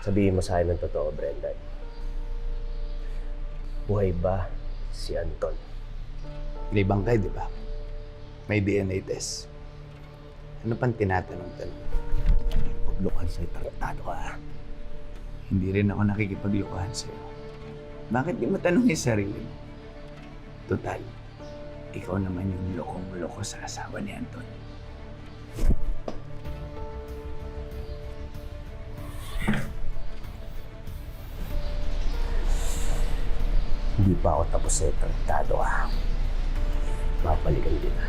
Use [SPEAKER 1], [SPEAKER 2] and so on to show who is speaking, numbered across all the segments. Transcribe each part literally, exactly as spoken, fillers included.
[SPEAKER 1] Sabihin mo sa akin ng totoo, Brenda. Buhay ba si Anton?
[SPEAKER 2] Libang kayo, di ba? May D N A test. Ano pang tinatanong-tanong?
[SPEAKER 1] Paglukan sa'yo, tarantado ka.
[SPEAKER 2] Hindi rin ako nakikipaglukuhan sa'yo. Bakit di mo tanongin sarili mo? Total, ikaw naman yung lokong-loko sa asawa ni Anton.
[SPEAKER 1] Hindi pa ako tapos sa'yo, tarantado ka. Mapalikan din na.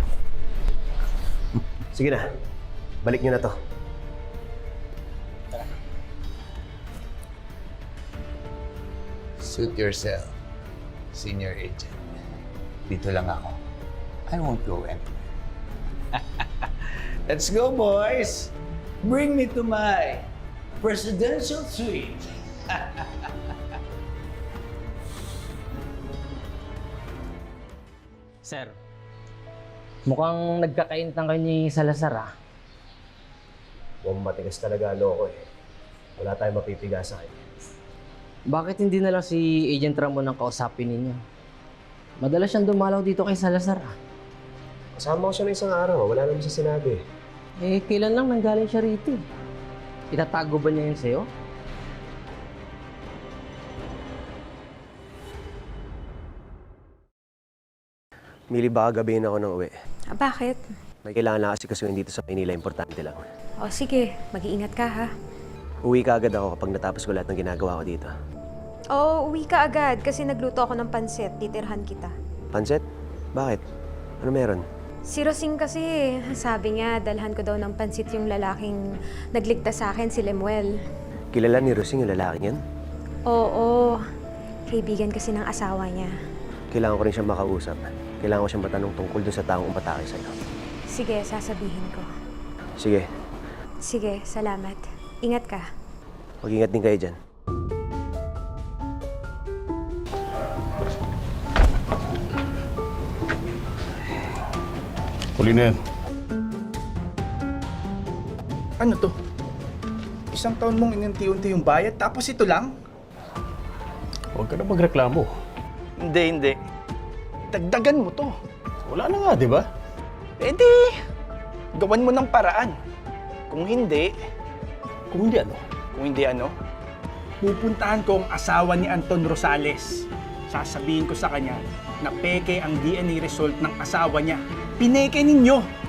[SPEAKER 1] Sige na, balik niyo na to.
[SPEAKER 2] Suit yourself, senior agent. Dito lang ako. I won't go anywhere. Let's go, boys! Bring me to my presidential suite.
[SPEAKER 3] Sir, mukhang nagkakainitang kayo ni Salazar, ah.
[SPEAKER 1] Mukhang matigas talaga ano ko eh. Wala tayong mapipiga sa kanya.
[SPEAKER 3] Bakit hindi na lang si Agent Ramon ang kausapin ninyo? Madalas siyang dumalaw dito kay Salazar, ah.
[SPEAKER 1] Kasama ko siya ng isang araw, wala naman siya sinabi.
[SPEAKER 3] Eh, kailan lang nanggaling siya rito, eh? Itatago ba niya yun sa'yo?
[SPEAKER 1] Mili, baka gabihin ako ng uwi.
[SPEAKER 4] Ah, bakit?
[SPEAKER 1] May kailangan na kasi kasuhin dito sa Manila, importante lang.
[SPEAKER 4] O sige, mag-iingat ka ha.
[SPEAKER 1] Uwi ka agad ako kapag natapos ko lahat ng ginagawa ko dito.
[SPEAKER 4] Oo, uwi ka agad kasi nagluto ako ng pansit. Titirhan kita.
[SPEAKER 1] Panset? Bakit? Ano meron?
[SPEAKER 4] Si Rosing kasi, sabi niya, dalhan ko daw ng pansit yung lalaking nagligtas sa akin, si Lemuel.
[SPEAKER 1] Kilala ni Rosing yung lalaking yan?
[SPEAKER 4] Oo, kaibigan kasi ng asawa niya.
[SPEAKER 1] Kailangan ko rin siyang makausap. Kailangan ko siyang matanong tungkol dun sa taong umatake sa'yo.
[SPEAKER 4] Sige, sasabihin ko.
[SPEAKER 1] Sige,
[SPEAKER 4] Sige, salamat. Ingat ka.
[SPEAKER 1] mag-ingat din kayo dyan.
[SPEAKER 5] Huli na yan.
[SPEAKER 6] Ano to? Isang taon mong ininti-unti yung bayad, tapos ito lang?
[SPEAKER 5] Huwag ka na magreklamo.
[SPEAKER 6] Hindi, hindi. Dagdagan mo to.
[SPEAKER 5] Wala na nga, di ba?
[SPEAKER 6] Eh di, gawan mo ng paraan. Kung hindi,
[SPEAKER 5] Kung hindi ano.
[SPEAKER 6] kung hindi ano, pupuntahan ko ang asawa ni Anton Rosales. Sasabihin ko sa kanya na peke ang D N A result ng asawa niya. Pineke ninyo!